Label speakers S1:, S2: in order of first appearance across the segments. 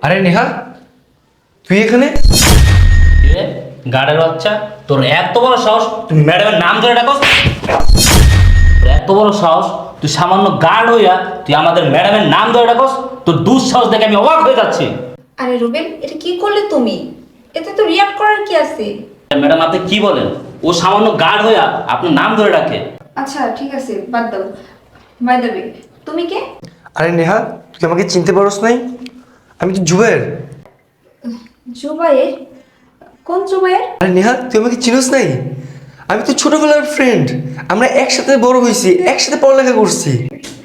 S1: আরে নেহা, তুই এখানে?
S2: গার্ডের বাচ্চা, তোর এত বড় সাহস তুই ম্যাডামের নাম ধরে ডাকস? তোর এত বড় সাহস তুই সামান্য গার্ড হইয়া তুই আমাদের ম্যাডামের নাম ধরে ডাকস? তোর দুঃসাহস দেখে আমি অবাক হয়ে যাচ্ছি।
S3: আরে রুবেল, এটা কি করলে তুমি? এতে তো রিয়াক্ট করার কি আছে?
S2: ম্যাডাম আপনি কি বলেন? ও সামান্য গার্ড হইয়া আপনার নাম ধরে ডাকে।
S3: আচ্ছা ঠিক আছে, বাদ দাও। বাই দ্য ওয়ে, তুমি কে?
S1: আরে নেহা, তুই আমাকে চিনতে পারস নাই? আমি তো জুবায়ের।
S3: জুবাইর? কোন জুবাইর?
S1: আরে নেহা, তুই আমাকে চিনস নাই? আমি তো ছোটবেলার ফ্রেন্ড। আমরা একসাথে বড় হয়েছি, একসাথে পড়ালেখা করছি।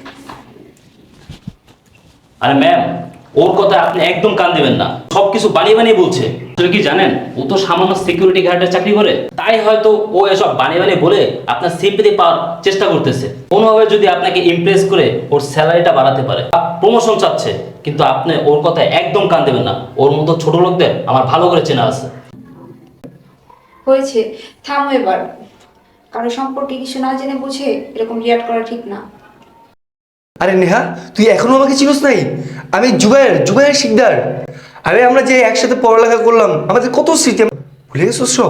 S2: আরে ম্যাম, ওর কথা আপনি একদম কান দেবেন না। সবকিছু বানিয়ে বানিয়ে বলছে। আসলে কি জানেন, ও তো সামান্য সিকিউরিটি গার্ডের চাকরি করে, তাই হয়তো ও এসব বানিয়ে বানিয়ে বলে আপনার সিম্পথি পাওয়ার চেষ্টা করতেছে। কোনোভাবে যদি আপনাকে ইমপ্রেস করে ওর স্যালারিটা বাড়াতে পারে, প্রমোশন চাচ্ছে, কিন্তু আপনি ওর কথা একদম কান দেবেন না। ওর মতো ছোট লোকদের আমার ভালো করে চেনা আছে।
S3: হয়েছে, থামো এবার। কারো সম্পর্কে কিছু না জেনে বুঝে এরকম রিয়াক্ট করা ঠিক না।
S1: আরে নেহা, তুই এখনো আমাকে চিনস নাই? আমি জুবায়ের শিকদার। আরে আমরা যে একসাথে পড়ালেখা করলাম, আমাদের কত স্মৃতি, ভুলে গেছিস সব?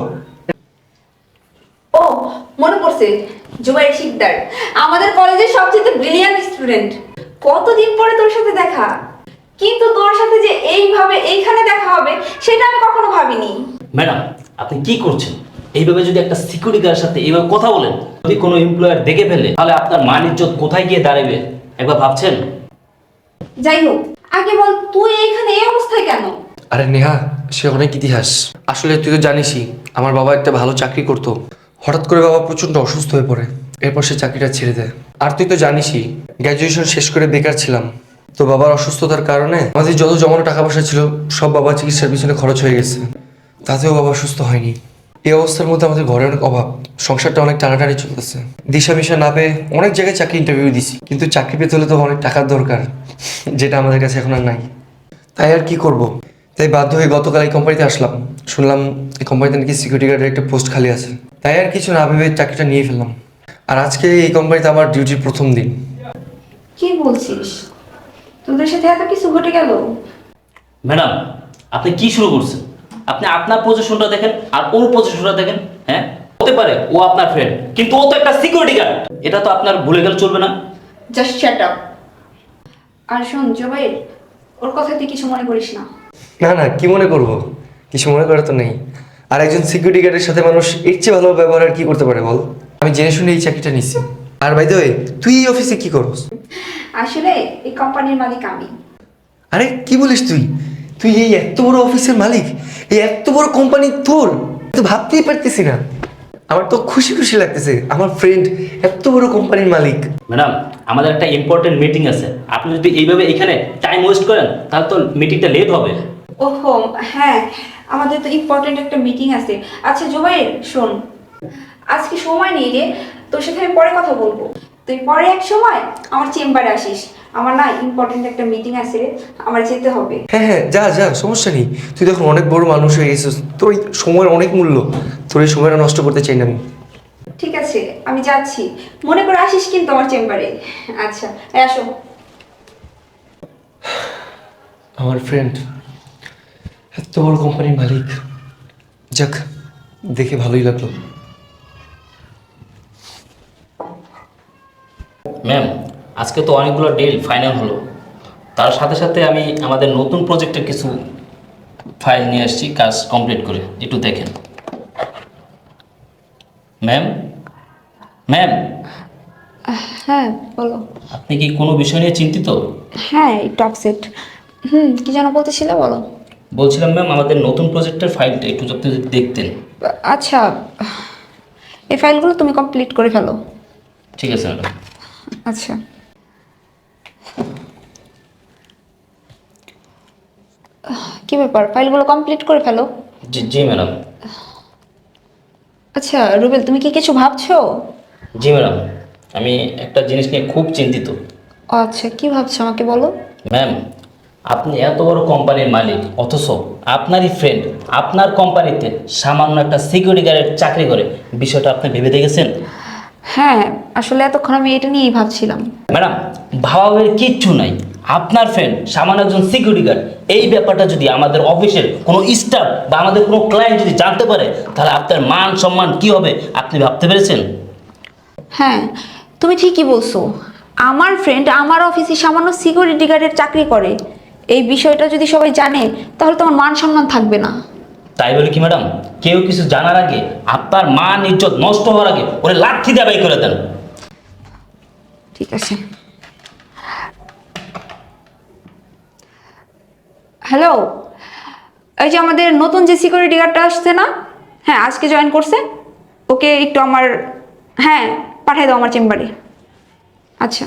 S3: ও, মনে পড়ছে, জুবাইর শিকদার আমাদের কলেজের সবচেয়ে ব্রিলিয়ান্ট স্টুডেন্ট। কতদিন পরে তোর সাথে দেখা, কিন্তু তোর সাথে যে এইভাবে এইখানে দেখা হবে সেটা আমি কখনো ভাবিনি।
S2: ম্যাডাম আপনি কি করছেন? এইভাবে যদি একটা সিকিউরিটি গার্ডের সাথে এইভাবে কথা বলেন, যদি কোনো এমপ্লয়ার দেখে ফেলে, তাহলে আপনার মান ইজ্জত কোথায় গিয়ে দাঁড়াবে একবার ভাবছেন?
S3: যাই হোক, আগে বল তুই এইখানে এই অবস্থায় কেন?
S1: আরে নেহা, সে অনেক ইতিহাস। আসলে তুই তো জানিসই, আমার বাবা একটা ভালো চাকরি করতো। হঠাৎ করে বাবা প্রচণ্ড অসুস্থ হয়ে পড়ে, এরপর সে চাকরিটা ছেড়ে দেয়। আর তুই তো জানিসই, গ্র্যাজুয়েশন শেষ করে বেকার ছিলাম। তো বাবার অসুস্থতার কারণে আমাদের যত জমানো টাকা পয়সা ছিল সব বাবার চিকিৎসার পিছনে খরচ হয়ে গেছে। তাতেও বাবা সুস্থ হয়নি। এই অবস্থার মধ্যে আমাদের ঘরে অনেক অভাব, সংসারটা অনেক টানাটানি চলতেছে। দিশা মিশা না পেয়ে অনেক জায়গায় চাকরি ইন্টারভিউ দিছি, কিন্তু চাকরি পেতে হলে তো অনেক টাকার দরকার, যেটা আমাদের কাছে এখন আর নাই। তাই আর কি করব, তাই বাধ্য হয়ে গতকাল এই কোম্পানিতে আসলাম। শুনলাম এই কোম্পানিতে নাকি সিকিউরিটি গার্ডের একটা পোস্ট খালি আছে, তাই আর কিছু না ভেবে চাকরিটা নিয়ে ফেললাম। আর আজকে এই কোম্পানিতে আমার ডিউটির প্রথম দিন।
S3: কি বলছিস? তোদের সাথে এত কিছু ঘটে গেল?
S2: ম্যাডাম আপনি কি শুরু করছেন? আপনি আপনার পজিশনটা দেখেন আর ওর পজিশনটা দেখেন। হ্যাঁ, হতে পারে ও আপনার ফ্রেন্ড, কিন্তু ও তো একটা সিকিউরিটি গার্ড। এটা তো আপনার ভুলে গেলে চলবে না।
S3: Just shut up. আর শোন জুবাইর, ওর কথা তুই কিছু মনে করিস না।
S1: না না, কি মনে করব, কিছু মনে করা তো নেই। আর একজন সিকিউরিটি গার্ডের সাথে মানুষ এর চেয়ে ভালো ব্যবহার আর কি করতে পারে বল? আমি জেনে শুনে এই চাকরিটা নিচ্ছি। আর বাই দ্য ওয়ে, তুই এই অফিসে কি করস?
S3: আসলে এই কোম্পানির মালিক আমি।
S1: আরে কি বলিস তুই? তুই এই এত বড় অফিসের মালিক, এই এত বড় কোম্পানি তোর? তো ভাবতেই পারতেছি না। আমার তো খুশি খুশি লাগতেছে, আমার ফ্রেন্ড এত বড় কোম্পানির মালিক।
S2: ম্যাডাম আমাদের একটা ইম্পর্টেন্ট মিটিং আছে, আপনি যদি এইভাবে এখানে টাইম ওয়েস্ট করেন তাহলে তো মিটিংটা লেট হবে।
S3: ওহো হ্যাঁ, আমাদের তো ইম্পর্টেন্ট একটা মিটিং আছে। আচ্ছা জুবাইর শোন, আজকে সময় নেই রে, তোর সাথে আমি পরে কথা বলবো। তুই পরে এক সময় আমার চেম্বারে আসিস। আমার না ইম্পর্টেন্ট একটা মিটিং আছে রে, আমার যেতে হবে।
S1: হ্যাঁ হ্যাঁ, যা যা, সমস্যা নেই। তুই দেখুন অনেক বড় মানুষ হয়ে গেছিস, তোর এই সময়ের অনেক মূল্য। তোর এই সময়টা নষ্ট করতে চাই না আমি।
S3: ঠিক আছে, আমি যাচ্ছি। মনে করে আসিস কিন্তু আমার চেম্বারে। আচ্ছা আসো।
S1: আমার ফ্রেন্ড এত বড় কোম্পানির মালিক, যাক দেখে ভালোই লাগলো।
S2: ম্যাম আজকে তো অনেকগুলো ডিল ফাইনাল হলো, তার সাথে সাথে আমি আমাদের নতুন প্রজেক্টের কিছু ফাইল নিয়ে আসছি কাজ কমপ্লিট করে, একটু দেখেন। ম্যাম ম্যাম
S3: হ্যাঁ বলো।
S2: আপনি কি কোনো বিষয় নিয়ে চিন্তিত?
S3: হ্যাঁ একটু আপসেট। কি যেন বলতেছিলে, বলো।
S2: বলছিলাম ম্যাম আমাদের নতুন প্রজেক্টের ফাইলটা একটু যদি দেখতেন।
S3: আচ্ছা, এই ফাইলগুলো তুমি কমপ্লিট করে ফেলো।
S2: ঠিক আছে ম্যাডাম।
S3: আচ্ছা, কি ব্যাপার, ফাইলগুলো কমপ্লিট করে ফেলো।
S2: জি জি ম্যাডাম।
S3: আচ্ছা রুবেল, তুমি কি কিছু ভাবছো?
S2: জি ম্যাডাম, আমি একটা জিনিস নিয়ে খুব চিন্তিত।
S3: ও আচ্ছা, কি ভাবছো আমাকে বলো।
S2: ম্যাম আপনি এত বড় কোম্পানির মালিক, অথচ আপনারই ফ্রেন্ড আপনার কোম্পানিতে সামান্য একটা সিকিউরিটি গার্ডের চাকরি করে, বিষয়টা আপনি ভেবে দেখেছেন?
S3: হ্যাঁ আসলে এতক্ষণ আমি এটা নিয়েই ভাবছিলাম।
S2: ম্যাডাম ভাবাবের কিচ্ছু নাই। আপনার ফ্রেন্ড সামান্য একজন সিকিউরিটি গার্ড, এই ব্যাপারটা যদি আমাদের অফিসের কোনো স্টাফ বা আমাদের কোনো ক্লায়েন্ট যদি জানতে পারে, তাহলে আপনার মান সম্মান কি হবে আপনি ভাবতে পেরেছেন?
S3: হ্যাঁ, তুমি ঠিকই বলছো। আমার ফ্রেন্ড আমার অফিসে সামান্য সিকিউরিটি গার্ডের চাকরি করে। এই বিষয়টা যদি সবাই জানে তাহলে তো আমার মান সম্মান থাকবে না।
S2: তাই বলে কি ম্যাডাম, কেউ কিছু জানার আগে, আপনার মান ইজ্জত নষ্ট হওয়ার আগে ওরে লাঠি দিয়ে বাই করে দেন।
S3: ঠিক আছে। হ্যালো, এই যে আমাদের নতুন যে সিকিউরিটি গার্ডটা আসছে না, হ্যাঁ আজকে জয়েন করছে, ওকে একটু আমার, হ্যাঁ পাঠিয়ে দাও আমার চেম্বারে। আচ্ছা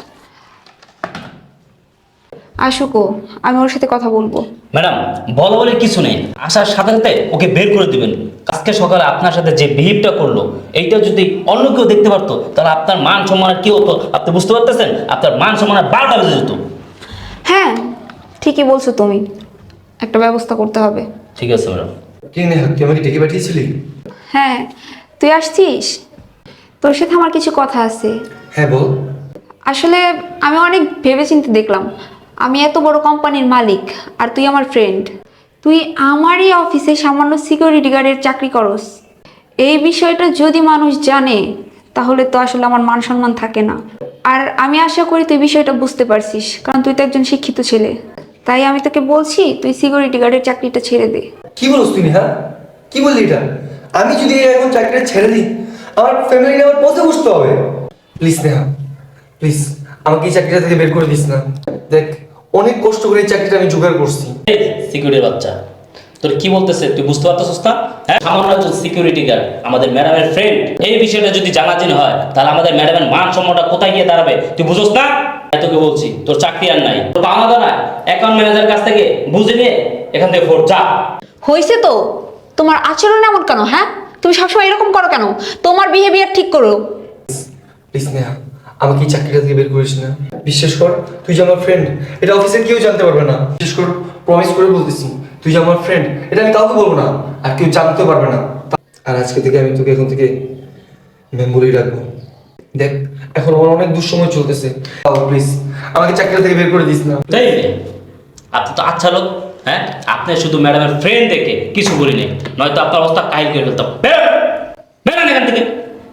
S3: আসুকো, আমি ওর সাথে কথা বলবো।
S2: ম্যাডাম, বলা বলে কিছু নেই, আসার সাথে সাথে ওকে বের করে দিবেন। আজকে সকালে আপনার সাথে যে বিহেভটা করলো, এইটা যদি অন্য কেউ দেখতে পারতো তাহলে আপনার মান সম্মানের কি হতো আপনি বুঝতে পারতেছেন? আপনার মান সম্মানের 12টা বেজে যেত।
S3: হ্যাঁ ঠিকই বলছো তুমি, একটা ব্যবস্থা করতে হবে।
S2: ঠিক আছে ম্যাডাম।
S1: কি নেহা, তুই আমাকে ডেকে পাঠিয়েছিলি?
S3: হ্যাঁ তুই আসছিস, তোর সাথে আমার কিছু কথা আছে।
S1: হ্যাঁ বল।
S3: আসলে আমি অনেক ভেবেচিন্তে দেখলাম, আমি এত বড় কোম্পানির মালিক আর তুই আমার ফ্রেন্ড, তুই আমারই অফিসে সামান্য সিকিউরিটি গার্ডের চাকরি করস। এই বিষয়টা যদি মানুষ জানে তাহলে তো আসলে আমার মান সম্মান থাকে না। আর আমি আশা করি তুই বিষয়টা বুঝতে পারছিস, কারণ তুই তো একজন শিক্ষিত ছেলে। তাই আমি তোকে বলছি তুই সিকিউরিটি গার্ডের চাকরিটা ছেড়ে দে।
S1: কি বলছ তুই নেহা? কি বললি এটা? আমি যদি এখন চাকরিটা ছেড়ে দিই, আমার ফ্যামিলি আমার পথে বসতে হবে। প্লিজ নেহা, প্লিজ আমাকে এই চাকরিটা থেকে বের করে দিস না। দেখ, অনেক কষ্ট করে এই চাকরিটা আমি জোগাড় করছি।
S2: সিকিউরিটি বাচ্চা, তোর কি বলতেছে তুই বুঝতে পারতেছিস না? হ্যাঁ, সামান্য একজন সিকিউরিটি গার্ড আমাদের ম্যাডামের ফ্রেন্ড, এই বিষয়টা যদি জানাজানি হয় তাহলে আমাদের ম্যাডামের মান সম্মানটা কোথায় গিয়ে দাঁড়াবে তুই বুঝোস না? তাই তোকে বলছি, তোর চাকরি আর নাই, তোর পাওনা দাঁড়ায় অ্যাকাউন্ট ম্যানেজারের কাছ থেকে বুঝে নিয়ে এখান থেকে ফোর যা।
S3: হয়েছে তো, তোমার আচরণ এমন কেন? হ্যাঁ তুমি সবসময় এরকম করো কেন? তোমার বিহেভিয়ার ঠিক করো।
S1: প্লিজ নেহা, আমাকে এই চাকরিটা থেকে বের করিস না। বিশ্বাস কর, তুই যে আমার ফ্রেন্ড, এটা অফিসের কেউ জানতে পারবে না। বিশেষ কর, প্রমিস করে বলতেছি, তুই যে আমার ফ্রেন্ড এটা আমি কাউকে বলবো না, আর কেউ জানতে পারবে না। আর আজকে থেকে আমি তোকে এখন থেকে ম্যাম বলেই রাখবো। দেখ, এখন আমার অনেক দুঃসময় চলতেছে, প্লিজ আমাকে চাকরিটা থেকে বের করে দিস না।
S2: তাই রে, আপনি তো আচ্ছা লোক। হ্যাঁ, আপনি শুধু ম্যাডামের ফ্রেন্ড দেখে কিছু বলিনি, নয়তো আপনার অবস্থা কাহিল করে ফেলতাম। বেরোন এখান থেকে।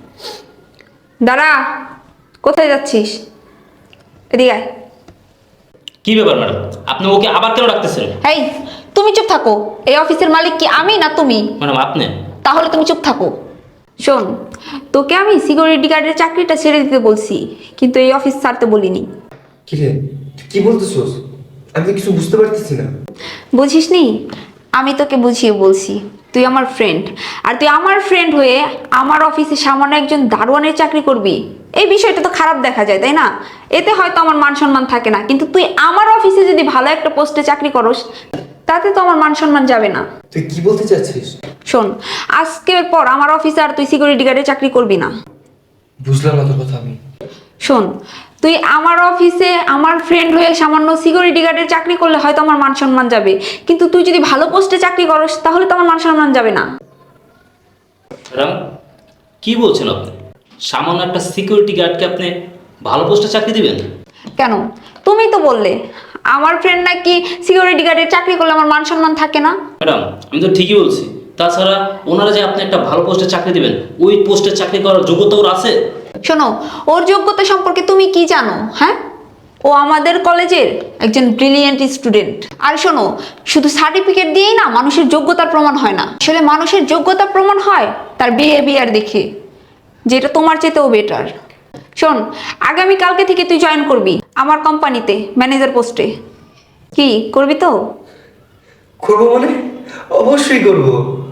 S3: দাঁড়া, কোথায় যাচ্ছিস? এদিকে আয়।
S2: কি ব্যাপার ম্যাডাম, আপনি ওকে আবার কেন রাখতেছেন?
S3: এই তুমি চুপ থাকো, এই অফিসের মালিক কি আমি না তুমি?
S2: ম্যাডাম আপনি।
S3: তাহলে তুমি চুপ থাকো। শোন, তোকে আমি সিকিউরিটি গার্ডের চাকরিটা ছেড়ে দিতে বলছি, কিন্তু এই অফিস ছাড়তে বলিনি।
S1: কি রে, তুই কি বলতেছিস? আমি তো কিছু বুঝতে পারতেছি না।
S3: বুঝিসনি? আমি তোকে বুঝিয়ে বলছি, তুই আমার ফ্রেন্ড, আর তুই আমার ফ্রেন্ড হয়ে আমার অফিসে সামান্য একজন দারোয়ানের চাকরি করবি, এই বিষয়টা তো খারাপ দেখা যায় তাই না? এতে হয়তো আমার মান সম্মান থাকে না, কিন্তু তুই আমার অফিসে যদি ভালো একটা পোস্টে চাকরি করস তাতে তো আমার মান সম্মান যাবে না।
S1: তুই কি বলতে চাচ্ছিস?
S3: শোন, আজকের পর আমার অফিসে আর তুই সিকিউরিটি গার্ডে চাকরি করবি না।
S1: বুঝলাম না তোর কথা আমি।
S3: শোন, তুই আমার অফিসে আমার ফ্রেন্ড হয়ে সামান্য সিকিউরিটি গার্ডের চাকরি করলে হয়তো আমার মান সম্মান যাবে, কিন্তু তুই যদি ভালো পোস্টে চাকরি করস তাহলে তো আমার মান সম্মান যাবে না।
S2: ম্যাডাম কি বলছেন আপনি? সামান্য একটা সিকিউরিটি গার্ডকে আপনি ভালো পোস্টে চাকরি দিবেন?
S3: কেন? তুমি তো বললে আমার ফ্রেন্ড নাকি সিকিউরিটি গার্ডের চাকরি করলে আমার মান সম্মান থাকে না।
S2: ম্যাডাম আমি তো ঠিকই বলছি, তাছাড়া ওনারা যে আপনি একটা ভালো পোস্টে চাকরি দিবেন, ওই পোস্টে চাকরি করার যোগ্যতা ওর আছে?
S3: শোনো, ওর যোগ্যতা সম্পর্কে তুমি কি জানো? হ্যাঁ, ও আমাদের কলেজের একজন ব্রিলিয়েন্ট স্টুডেন্ট। আর শোনো, শুধু সার্টিফিকেট দিয়েই না মানুষের যোগ্যতার প্রমাণ হয় না, আসলে মানুষের যোগ্যতা প্রমাণ হয় তার বিহেভিয়ার দেখে, যেটা তোমার চেয়েও বেটার। শোন, আগামী কালকে থেকে তুই জয়েন করবি আমার কোম্পানিতে ম্যানেজার পোস্টে। কি করবি তো?
S1: করবো মানে? অবশ্যই করবো।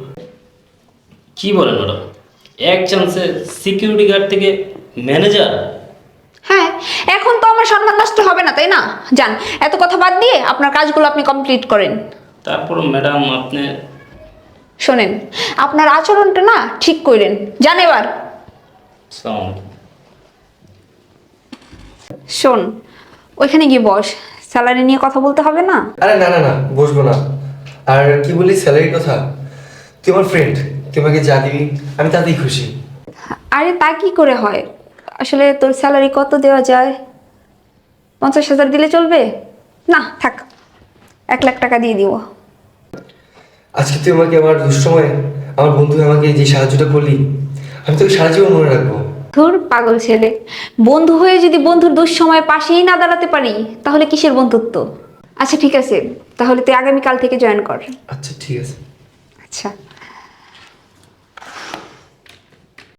S2: কি বলেন ম্যাডাম, এক চান্সে সিকিউরিটি গার্ড থেকে ম্যানেজার?
S3: হ্যাঁ, এখন তো আমার সম্মান নষ্ট হবে না তাই না? যান, এত কথা বাদ দিয়ে আপনার কাজগুলো আপনি কমপ্লিট করেন।
S2: তারপর ম্যাডাম আপনি।
S3: শোনেন, আপনার আচরণটা না ঠিক করেন, যান এবার।
S2: আসসালামু আলাইকুম।
S3: শোন, ওইখানে গিয়ে বস, স্যালারি নিয়ে কথা বলতে হবে না।
S1: আরে না না না, বসবো না। আর কি বলি, স্যালারির কথা? তুই আমার ফ্রেন্ড, তুই আমাকে যা দিবি আমি তাতেই খুশি।
S3: আরে তা কি করে হয়? আসলে তোর স্যালারি কত দেওয়া যায়? 50,000 দিলে চলবে? না থাক, 1 লাখ টাকা দিয়ে দিব।
S1: আজকে তুই আমাকে আমার দুঃসময়ে আমার বন্ধু হয়ে আমাকে যে সাহায্যটা করলি, আমি তোকে সারা জীবন মনে রাখবো।
S3: ধুর পাগল ছেলে, বন্ধু হয়ে যদি বন্ধুর দুঃসময়ে পাশেই না দাঁড়াতে পারি তাহলে কিসের বন্ধুত্ব? আচ্ছা ঠিক আছে, তাহলে তুই আগামীকাল থেকে জয়েন কর।
S1: আচ্ছা ঠিক আছে।
S3: আচ্ছা।